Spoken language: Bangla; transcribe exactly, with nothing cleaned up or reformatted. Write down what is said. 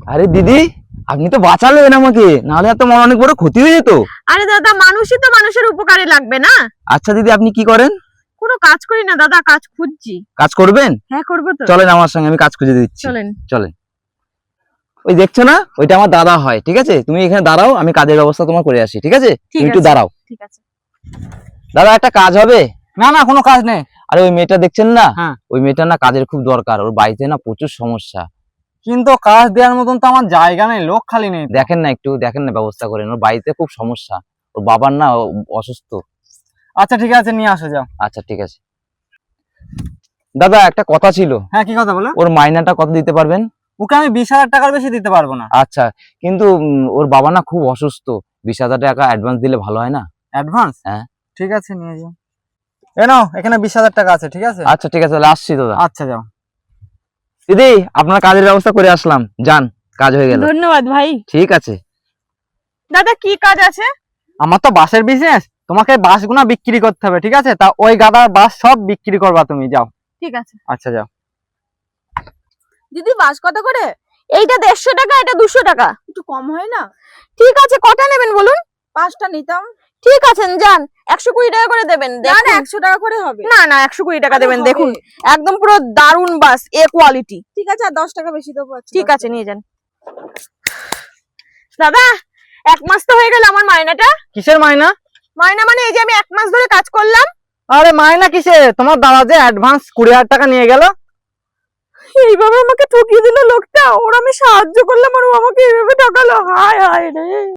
আরে দিদি, আপনি তো বাঁচালেন আমাকে, নাহলে এত আমার অনেক বড় ক্ষতি হয়ে যেত। আরে দাদা, মানুষই তো মানুষের উপকারে লাগবে না? আচ্ছা দিদি, আপনি কি করেন? কোনো কাজ করি না দাদা, কাজ খুঁজছি। কাজ করবেন? হ্যাঁ করবো তো। চলেন আমার সঙ্গে, আমি কাজ খুঁজে দিচ্ছি। চলেন। চলেন। ওই দেখছো না, ওইটা আমার দাদা হয়। ঠিক আছে, তুমি এখানে দাঁড়াও, আমি কাজের ব্যবস্থা তোমার করে আসি। ঠিক আছে, ঠিক তুমি একটু আছে। দাঁড়াও। ঠিক আছে। দাদা, একটা কাজ হবে? না না, কোনো কাজ নেই। আরে ওই মেয়েটা দেখছেন না, হ্যাঁ। ওই মেয়েটা না কাজের খুব দরকার, ওর বাড়িতে না প্রচুর সমস্যা। কিন্তু কাজ দেওয়ার মতন তো আমার জায়গা নেই, লোক খালি নেই। দেখেন না, একটু দেখেন না, ব্যবস্থা করেন, ওর বাড়িতে খুব সমস্যা, ওর বাবার না অসুস্থ। আচ্ছা ঠিক আছে, নিয়ে আসো, যাও। আচ্ছা ঠিক আছে। দাদা, একটা কথা ছিল। হ্যাঁ, কি কথা বলো? ওর মাইনাটা কত দিতে পারবেন? ওকে আমি বিশ হাজার টাকার বেশি দিতে পারবো না। আচ্ছা, কিন্তু উম, ওর বাবা না খুব অসুস্থ, বিশ হাজার টাকা অ্যাডভান্স দিলে ভালো হয় না? অ্যাডভান্স? হ্যাঁ। ঠিক আছে, নিয়ে যাও। এ নাও, এখানে বিশ হাজার টাকা আছে। ঠিক আছে। আচ্ছা ঠিক আছে, তাহলে আসছি দাদা। আচ্ছা, যাও। দিদি, আপনার কাজের ব্যবস্থা করে আসলাম, যান, কাজ হয়ে গেল। ধন্যবাদ ভাই। ঠিক আছে। দাদা, কি কাজ আছে? আমার তো বাসের বিজনেস, তোমাকে বাসগুনা বিক্রি করতে হবে। ঠিক আছে, তা ওই গাদার বাস সব বিক্রি করবা তুমি, যাও। ঠিক আছে। আচ্ছা, যাও। দিদি, বাস কত করে? এইটা দেড়শো টাকা, এটা দুশো টাকা। একটু কম হয় না? ঠিক আছে, কটা নেবেন বলুন? পাঁচটা নিতাম। ঠিক আছে, যান, একশো কুড়ি টাকা করে দেবেন। না না, একশো টাকা করে হবে। না না, একশো কুড়ি টাকা দেবেন। দেখুন, একদম পুরো দারুন বাস, এ কোয়ালিটি। ঠিক আছে, আর দশ টাকা বেশি দেবো। ঠিক আছে, নিয়ে যান। দাদা, এক মাস তো হয়ে গেল আমার মাইনাটা। কিসের মাইনা? মাইনা মানে এই যে আমি এক মাস ধরে কাজ করলাম। আরে মাইনা কিসে? তোমার দাদা যে অ্যাডভান্স কুড়ি হাজার টাকা নিয়ে গেল। এইভাবে আমাকে ঠকিয়ে দিল লোকটা। ওর আমি সাহায্য করলাম আর ও আমাকে এইভাবে ঠকালো। হায় হায় রে।